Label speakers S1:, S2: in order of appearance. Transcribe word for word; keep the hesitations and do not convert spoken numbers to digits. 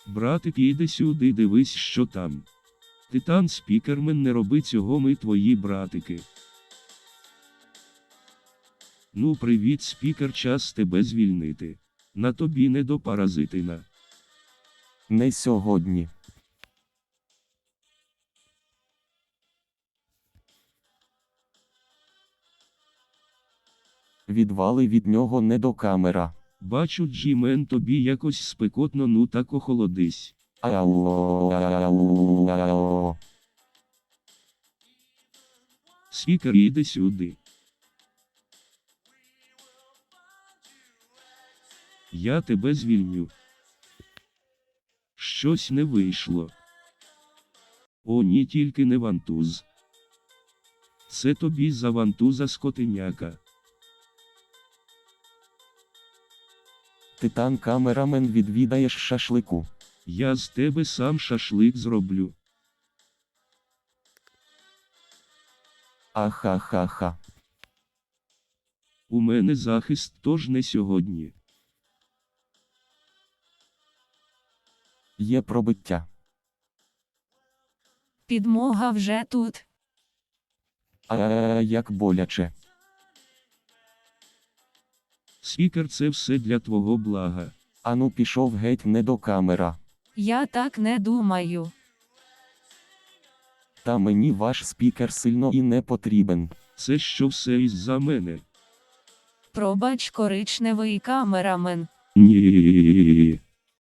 S1: Братик, іди сюди, дивись, що там. Титан Спікермен, не роби цього, ми твої братики. Ну привіт, спікер, час тебе звільнити. На тобі не до паразитина.
S2: Не сьогодні. Відвали від нього, не до камера.
S1: Бачу, Джімен, тобі якось спекотно, ну так охолодись.
S2: Ау, ау, ау.
S1: Спікер, іди сюди. Я тебе звільню. Щось не вийшло. О ні, тільки не вантуз. Це тобі за вантуза, скотиняка.
S2: Титан камерамен, відвідаєш шашлику.
S1: Я з тебе сам шашлик зроблю.
S2: Ахахаха.
S1: У мене захист, тож не сьогодні.
S2: Є пробиття.
S3: Підмога вже тут.
S2: А як боляче.
S1: Спікер, це все для твого блага.
S2: Ану пішов геть, не до камера.
S3: Я так не думаю.
S2: Та мені ваш спікер сильно і не потрібен.
S1: Це що все із-за мене?
S3: Пробач, коричневий камерамен.
S1: Ні.